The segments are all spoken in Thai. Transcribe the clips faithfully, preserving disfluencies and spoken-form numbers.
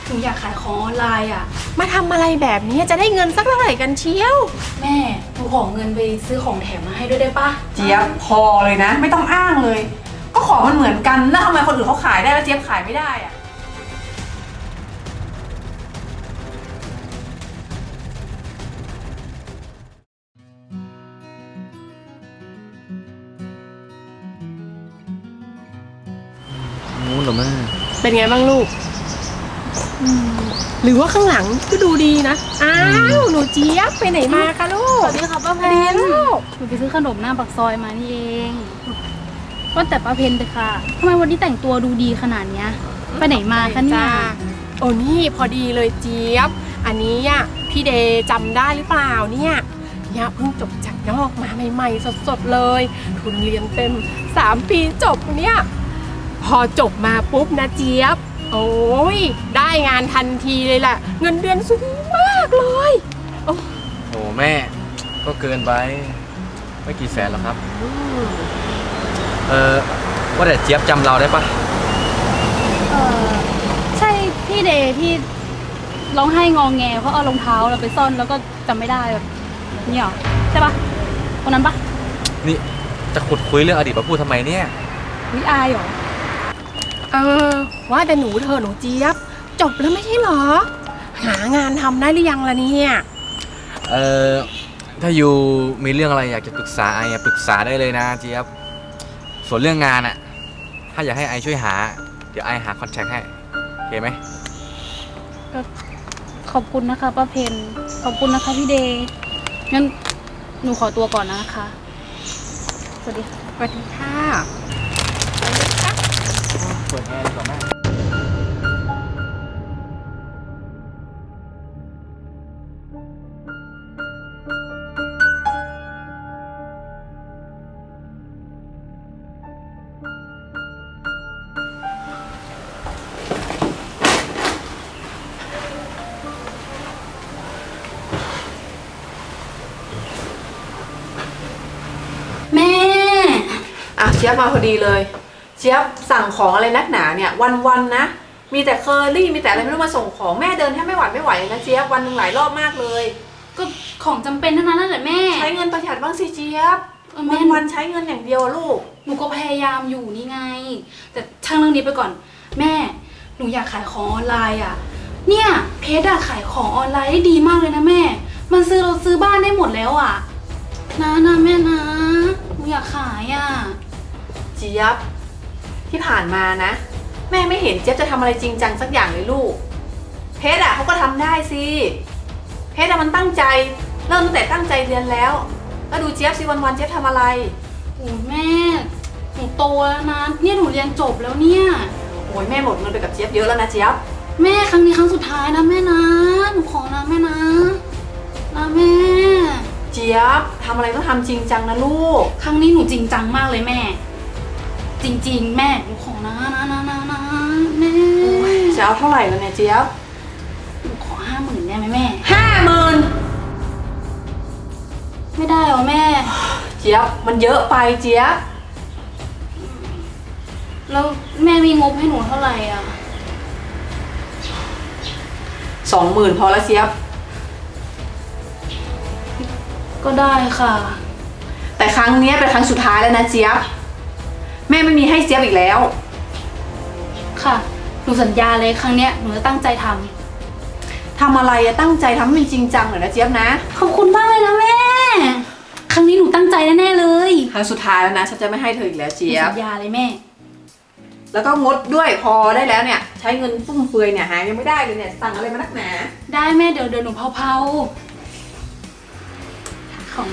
หนูอยากขายของออนไลน์อ่ะมาทำอะไรแบบนี้จะได้เงินสักเท่าไหร่กันเชียวแม่หนูขอเงินไปซื้อของแถมมาให้ด้วยได้ปะเจี๊ยบพอเลยนะไม่ต้องอ้างเลยก็ของมันเหมือนกันแล้วทำไมคนอื่นเขาขายได้แล้วเจี๊ยบขายไม่ได้อะนู้นเหรอแม่เป็นไงบ้างลูกหรือว่าข้างหลังก็ดูดีนะอ้าวหนูเจี๊ยบไปไหนมาคะลูกสวัสดีค่ะป้าเพนลูกหนูไปซื้อขนมหน้าปากซอยมานี่เองว่าแต่ป้าเพนเลยค่ะทำไมวันนี้แต่งตัวดูดีขนาดเนี้ยไปไหนมาคะเนี่ยโอ้นี่พอดีเลยเจี๊ยบอันนี้อ่ะพี่เดย์จำได้หรือเปล่าเนี่ยเนี่ยเพิ่งจบจากนอกมาใหม่ๆสดๆเลยทุนเรียนเต็มสามปีจบเนี่ยพอจบมาปุ๊บนะเจี๊ยบโอ้ยได้งานทันทีเลยแหละเงินเดือนสูงมากเลยโอ้โหแม่ก็เกินไปไม่กี่แสนหรอกครับเออว่าแต่เจี๊ยบจำเราได้ปะเออใช่พี่เดย์ที่ร้องไห้งองแงเพราะเอารองเท้าเราไปซ่อนแล้วก็จำไม่ได้แบบนี้หรอใช่ปะคนนั้นปะนี่จะขุดคุยเรื่องอดีตมาพูดทำไมเนี่ยวิอายหรอเออว่าแต่หนูเธอหนูเจี๊ยบจบแล้วไม่ใช่หรอหางานทำได้หรือยังล่ะเนี่ยเออถ้าอยู่มีเรื่องอะไรอยากจะปรึกษาไอ้ปรึกษาได้เลยนะเจี๊ยบส่วนเรื่องงานอะถ้าอยากให้ไอช่วยหาเดี๋ยวไอหาคอนแทคให้โอเคไหมก็ขอบคุณนะคะป้าเพนขอบคุณนะคะพี่เดย์งั้นหนูขอตัวก่อนนะคะสวัสดีค่ะสวัสดีค่ะเปิดแอร์ดีกว่าแม่แม่อ่ะเจี๊ยบมาพอดีเลยเจี๊ยบสั่งของอะไรนักหนาเนี่ยวันๆนะมีแต่เคอรี่มีแต่อะไรไม่รู้มาส่งของแม่เดินแทบไม่หวัดไม่ไหวเลยนะเจี๊ยบวันหนึ่งหลายรอบมากเลยก็ของจำเป็นทั้งนั้นนั่นแหละแม่ใช้เงินประหยัดบ้างสิเจี๊ยบวันวันใช้เงินอย่างเดียวลูกหนูก็พยายามอยู่นี่ไงแต่ช่างเรื่องนี้ไปก่อนแม่หนูอยากขายของออนไลน์อ่ะเนี่ยเพจอะขายของออนไลน์ได้ดีมากเลยนะแม่มันซื้อเราซื้อบ้านได้หมดแล้วอ่ะนะนะแม่นะหนูอยากขายอ่ะเจี๊ยบที่ผ่านมานะแม่ไม่เห็นเจี๊ยบจะทำอะไรจริงจังสักอย่างเลยลูกเพชรอ่ะเขาก็ทำได้สิเพชรอ่ะมันตั้งใจเริ่มตั้งแต่ตั้งใจเรียนแล้วแล้วดูเจี๊ยบสิวันๆเจี๊ยบทำอะไรโอ้แม่หนูโตแล้วนะเนี่ยหนูเรียนจบแล้วเนี่ยโอ้ยแม่หมดเงินไปกับเจี๊ยบเยอะแล้วนะเจี๊ยบแม่ครั้งนี้ครั้งสุดท้ายนะแม่นะหนูขอนะแม่นะนะแม่เจี๊ยบทำอะไรต้องทำจริงจังนะลูกครั้งนี้หนูจริงจังมากเลยแม่จริงๆแม่หนูขอนะนะนะนะนะแม่จะเอาเท่าไหร่แล้วเนี่ยเจี๊ยบหนูขอห้าหมื่นได้ไหมแม่ห้าหมื่นไม่ได้หรอแม่เจี๊ยบมันเยอะไปเจี๊ยบแล้วแม่มีงบให้หนูเท่าไหร่อ่ะสองหมื่นพอแล้วเจี๊ยบก็ได้ค่ะแต่ครั้งนี้เป็นครั้งสุดท้ายแล้วนะเจี๊ยบแม่ไม่มีให้เจี๊ยบอีกแล้วค่ะหนูสัญญาเลยครั้งเนี้ยหนูจะตั้งใจทำทำอะไรอะตั้งใจทำให้มันจริงจังหน่อยนะเจี๊ยบนะขอบคุณมากเลยนะแม่ครั้งนี้หนูตั้งใจแน่ๆเลยครั้งสุดท้ายแล้วนะฉันจะไม่ให้เธออีกแล้วเจี๊ยบสัญญาเลยแม่แล้วก็งดด้วยพอได้แล้วเนี่ยใช้เงินฟุ่มเฟือยเนี่ยหายังไม่ได้เลยเนี่ยสั่งอะไรมานักหนาได้แม่เดี๋ยวเดี๋ยวหนูเผาๆของ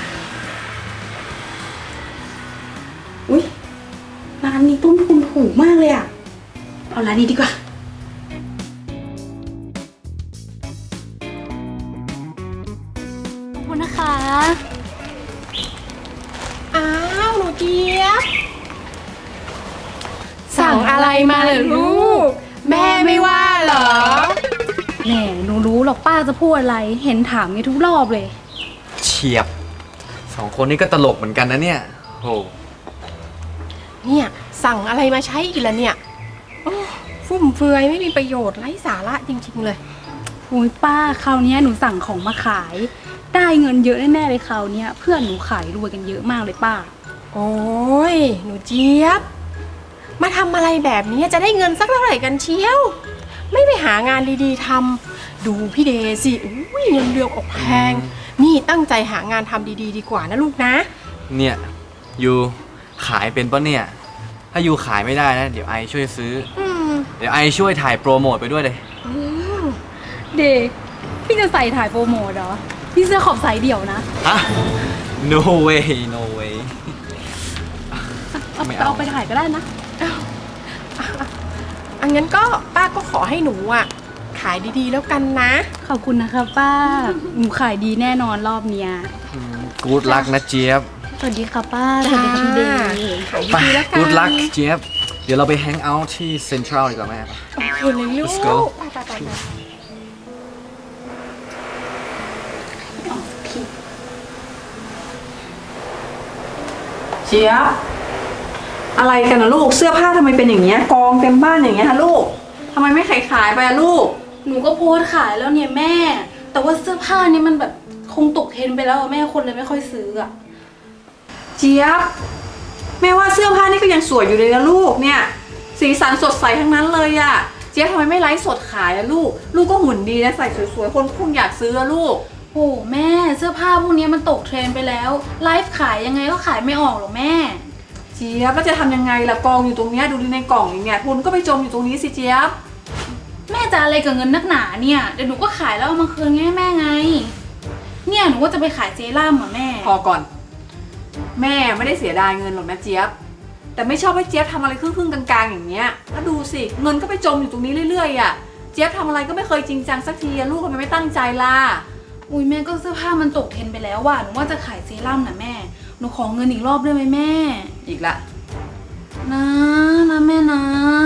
อุ๊ยร้านนี้ต้นทุนถูกมากเลยอ่ะเอาร้านนี้ดีกว่าขอบคุณนะคะอ้าวหนูเจี๊ยบสั่งอะไรมาเหรอลูกแม่ไม่ว่าเหรอแหมหนูรู้หรอกป้าจะพูดอะไรเห็นถามไงทุกรอบเลยเฉียบสองคนนี้ก็ตลกเหมือนกันนะเนี่ยโหเนี่ยสั่งอะไรมาใช้อีกแล้วเนี่ยฟุ่มเฟือยไม่มีประโยชน์ไร้สาระจริงๆเลยโอ้ยป้าคราวเนี้ยหนูสั่งของมาขาย ได้เงินเยอะแน่ๆเลยคราวเนี้ยเพื่อนหนูขายรวยกันเยอะมากเลยป้าโอ้ยหนูเจี๊ยบมาทำอะไรแบบนี้จะได้เงินสักเท่าไหร่กันเชียว ไม่ไปหางานดีๆทำดูพี่เดสิอุ้ยเงินเดือนออกแพง นี่ตั้งใจหางานทำดีๆดีกว่านะลูกนะเนี่ยยูขายเป็นปะเนี่ย ถ้ายูขายไม่ได้นะเดี๋ยวไอช่วยซื้ออืมเดี๋ยวไอช่วยถ่ายโปรโมทไปด้วยเลยอืมเด็กพี่จะใส่ถ่ายโปรโมทเหรอพี่เสื้อขอบสายเดี่ยวนะฮะ no way no way เอาไม่เอาเอาไปถ่ายก็ได้นะอันงั้นก็ป้าก็ขอให้หนูอ่ะขายดีๆแล้วกันนะขอบคุณนะคะป้าหนูขายดีแน่นอนรอบเนี้ยกูดลักนะเจี๊ยบสวัสดีค่ะป้าสวัสดีค่ะพี่เดย์ขายไปดีๆแล้วกันกูดลักเจี๊ยบ เดี๋ยวเราไปแฮงเอาท์ที่เซ็นทรัลดีกว่าแม่คุณเลยลูก Let's go ไปไปไปไปเจี๊ยบอะไรกันนะลูกเสื้อผ้าทำไมเป็นอย่างเงี้ยกองเต็มบ้านอย่างเงี้ยฮะลูกทำไมไม่ขายขายไปอะลูกหนูก็โพสต์ขายแล้วเนี่ยแม่ แต่ว่าเสื้อผ้านี่มันแบบคงตกเทรนด์ไปแล้วอะแม่คนเลยไม่ค่อยซื้ออะเจี๊ยบแม่ว่าเสื้อผ้านี่ก็ยังสวยอยู่เลยนะลูกเนี่ยสีสันสดใสทั้งนั้นเลยอะเจี๊ยบทำไมไม่ไลฟ์สดขายอะลูก ลูกก็หุ่นดีนะใส่สวยๆคนคงอยากซื้ออะลูกโอ้แม่เสื้อผ้าพวกนี้มันตกเทรนด์ไปแล้วไลฟ์ขายยังไงก็ขายไม่ออกหรอกแม่เจี๊ยบแล้วจะทำยังไงล่ะกองอยู่ตรงเนี้ยดูดิในกล่องอย่างเงี้ยทุนก็ไปจมอยู่ตรงนี้สิเจี๊ยบแม่จะอะไรกับเงินนักหนาเนี่ยเดี๋ยวหนูก็ขายแล้วเอามาคืนให้แม่ไง เนี่ยหนูว่าจะไปขายเซรั่มอ่ะแม่พอก่อน แม่ไม่ได้เสียดายเงินหรอกนะเจี๊ยบแต่ไม่ชอบให้เจี๊ยบทำอะไรครึ่งๆกลางๆอย่างเงี้ยแล้วดูสิเงินก็ไปจมอยู่ตรงนี้เรื่อยๆอ่ะเจี๊ยบทำอะไรก็ไม่เคยจริงจังสักทีอะลูกทำไมไม่ตั้งใจล่ะอุ้ยแม่ก็เสื้อผ้ามันตกเทรนด์ไปแล้วว่ะหนูว่าจะขายเซรั่มนะแม่หนูขอเงินอีกรอบได้ไหมแม่อีกละนะนะแม่นะ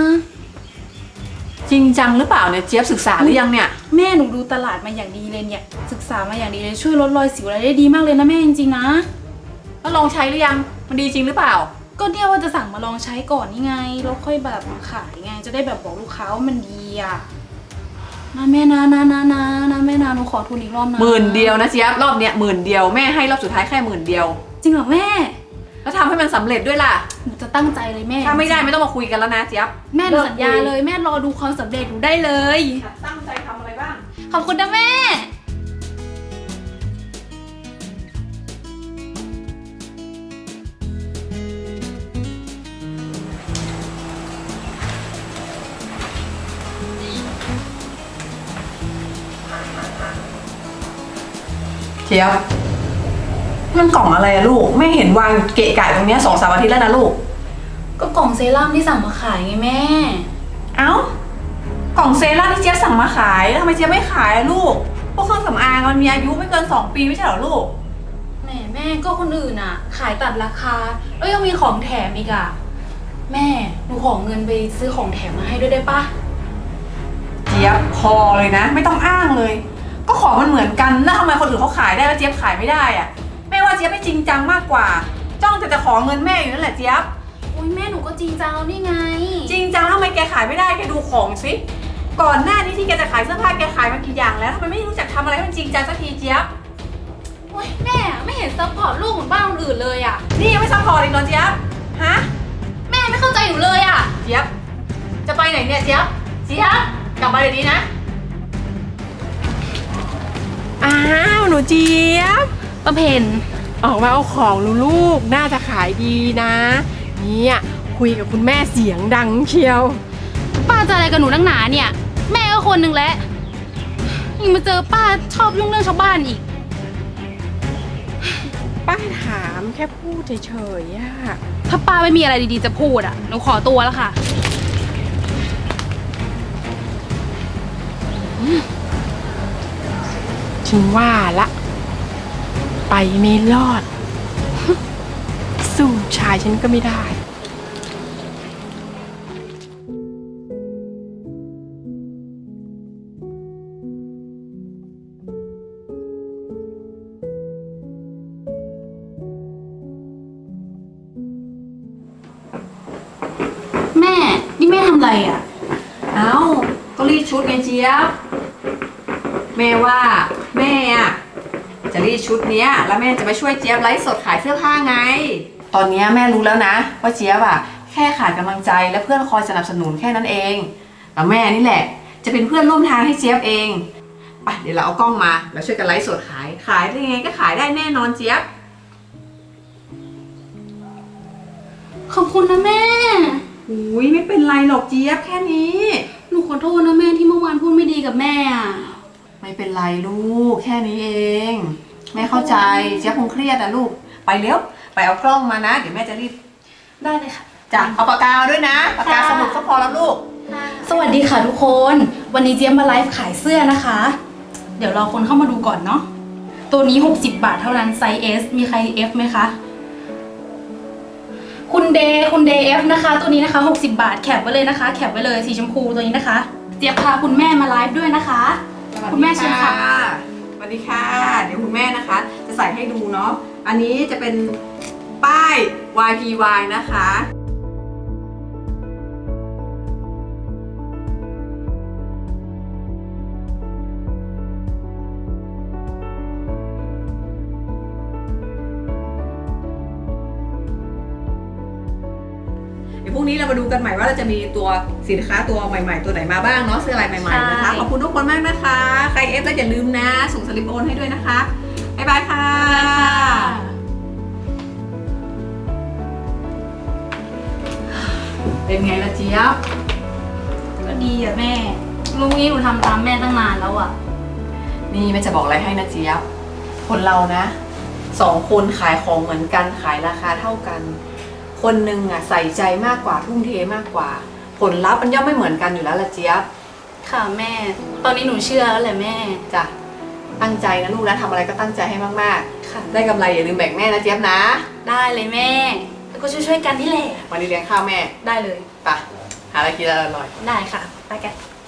จริงจังหรือเปล่าเนี่ยเจี๊ยบศึกษาหรือยังเนี่ยแม่หนูดูตลาดมาอย่างดีเลยเนี่ยศึกษามาอย่างดีเลยช่วยลดรอยสิวอะไรได้ดีมากเลยนะแม่จริงๆนะแล้วลองใช้หรือยังมันดีจริงหรือเปล่าก็เนี่ยว่าจะสั่งมาลองใช้ก่อนนี่ไงแล้วค่อยแบบมาขายไงจะได้แบบบอกลูกค้าว่ามันดีอ่ะนะแม่นะนะนะนะนะแม่นะหนูขอทุนอีกรอบนะหมื่นเดียวนะเจี๊ยบรอบเนี้ยหมื่นเดียวแม่ให้รอบสุดท้ายแค่หมื่นเดียวจริงเหรอแม่แล้วทำให้มันสำเร็จด้วยล่ะหนูจะตั้งใจเลยแม่ถ้าไม่ได้ไม่ต้องมาคุยกันแล้วนะเจี๊ยบแม่หนูสัญญาเลยแม่รอดูความสำเร็จหนูได้เลยตั้งใจทำอะไรบ้างขอบคุณนะแม่เจี๊ยบมันกล่องอะไรอะลูกไม่เห็นวางเกะกะตรงเนี้ยสองสามอาทิตย์แล้วนะลูกก็กล่องเซรั่มที่สั่งมาขายไงแม่เอ้ากล่องเซรั่มที่เจี๊ยบสั่งมาขายแล้วทำไมเจี๊ยบไม่ขายอะลูกพวกเครื่องสำอางมันมีอายุไม่เกินสองปีไม่ใช่เหรอลูกแม่แม่ก็คนอื่นอ่ะ ขายตัดราคาแล้วยังมีของแถมอีกอ่ะแม่หนูขอเงินไปซื้อของแถมมาให้ด้วยได้ปะเจี๊ยบพอเลยนะ ไม่ต้องอ้างเลย ก็ของมันเหมือนกันแล้วทำไมคนอื่นเขาขายได้แล้วเจี๊ยบขายไม่ได้อะแม่ว่าเจี๊ยบไม่จริงจังมากกว่า จ้องแต่จะขอเงินแม่อยู่นั่นแหละเจี๊ยบอุ้ยแม่หนูก็จริงจังแล้วนี่ไงจริงจังแล้วทำไมแกขายไม่ได้แกดูของสิก่อนหน้านี้ที่แกจะขายเสื้อผ้าแกขายมากี่อย่างแล้วทำไมไม่รู้จักทำอะไรให้มันจริงจังสักทีเจี๊ยบโอ้ยแม่ไม่เห็นซัพพอร์ตลูกเหมือนบ้านคนอื่นเลยอ่ะนี่ยังไม่ซัพพอร์ตอีกเหรอเจี๊ยบฮะแม่ไม่เข้าใจหนูเลยอ่ะเจี๊ยบจะไปไหนเนี่ยเจี๊ยบเจี๊ยบกลับมาเดี๋ยวนี้นะอ้าวหนูเจี๊ยบประเพณออกมาเอาของลูกๆน่าจะขายดีนะเนี่ยคุยกับคุณแม่เสียงดังเชียวป้าจะอะไรกับหนูนักหนาเนี่ย แม่ก็คนหนึ่งแหละยังมาเจอป้าชอบยุ่งเรื่องชาวบ้านอีกป้าถามแค่พูดเฉยๆอะถ้าป้าไม่มีอะไรดีๆจะพูดอ่ะหนูขอตัวแล้วค่ะฉันว่าละ ไปไม่รอด สู้ชายฉันก็ไม่ได้แม่นี่แม่ทำอะไรอ่ะอดไงเจี๊ยบแม่ว่าแม่อะจะรีดชุดเนี้ยแล้วแม่จะไปช่วยเจี๊ยบไลฟ์สดขายเสื้อผ้าไง ตอนเนี้ยแม่รู้แล้วนะว่าเจี๊ยบอะแค่ขาดกำลังใจและเพื่อนคอยสนับสนุนแค่นั้นเองแล้วแม่นี่แหละจะเป็นเพื่อนร่วมทางให้เจี๊ยบเองไปเดี๋ยวเราเอากล้องมาแล้วช่วยกันไลฟ์สดขายขายได้ยังไงก็ขายได้แน่นอนเจี๊ยบขอบคุณนะแม่อุ้ยไม่เป็นไรหรอกเจี๊ยบแค่นี้หนูขอโทษนะแม่ที่เมื่อวานพูดไม่ดีกับแม่อ่ะไม่เป็นไรลูกแค่นี้เองแม่เข้าใจเจี๊ยบคงเครียดนะลูกไปเร็วไปเอากล้องมานะเดี๋ยวแม่จะรีบได้เลยค่ะจ้ะเอาปากกาด้วยนะปากกาสมุดก็พอแล้วลูกสวัสดีค่ะทุกคน วันนี้เจี๊ยบมาไลฟ์ขายเสื้อนะคะ เดี๋ยวรอคนเข้ามาดูก่อนเนาะ ตัวนี้หกสิบบาทเท่านั้นไซส์ S มีใคร F ไหมคะ คุณเดย์คุณเดย์ F นะคะ ตัวนี้นะคะหกสิบบาทแคปไว้เลยนะคะ แคปไว้เลยสีชมพูตัวนี้นะคะ เจี๊ยบพาคุณแม่มาไลฟ์ด้วยนะคะ คุณแม่เชิญค่ะสวัสดีค่ะเดี๋ยวคุณแม่นะคะ จะใส่ให้ดูเนาะอันนี้จะเป็นป้าย วาย พี วาย นะคะเดี๋ยวพรุ่งนี้เรามาดูกันใหม่ว่าเราจะมีตัวสินค้าตัวใหม่ๆ ตัวไหนมาบ้างเนาะเสื้อลายใหม่ๆนะคะใช่ขอบคุณทุกคนมากนะคะ ใครเอฟแล้วอย่าลืมนะ ส่งสลิปโอนให้ด้วยนะคะบ๊ายบายค่ะ เป็นไงล่ะเจี๊ยบก็ดีอ่ะแม่ลุงนี้หนูทำตามแม่ตั้งนานแล้วอ่ะนี่แม่จะบอกอะไรให้นะเจี๊ยบ คนเรานะสองคนขายของเหมือนกันขายราคาเท่ากัน คนหนึ่งอ่ะใส่ใจมากกว่าทุ่มเทมากกว่า ผลลัพธ์มันย่อมไม่เหมือนกันอยู่แล้วล่ะเจี๊ยบค่ะแม่ ตอนนี้หนูเชื่อแล้วแหละแม่จ้ะตั้งใจนะลูกนะทำอะไรก็ตั้งใจให้มากค่ะๆ ได้กำไรอย่าลืมแบ่งแม่นะเจี๊ยบนะได้เลยแม่ แล้วก็ช่วยๆกันนี่แหละวันนี้เลี้ยงข้าวแม่ได้เลยไปหาอะไรกินอร่อยได้ค่ะ ไปกัน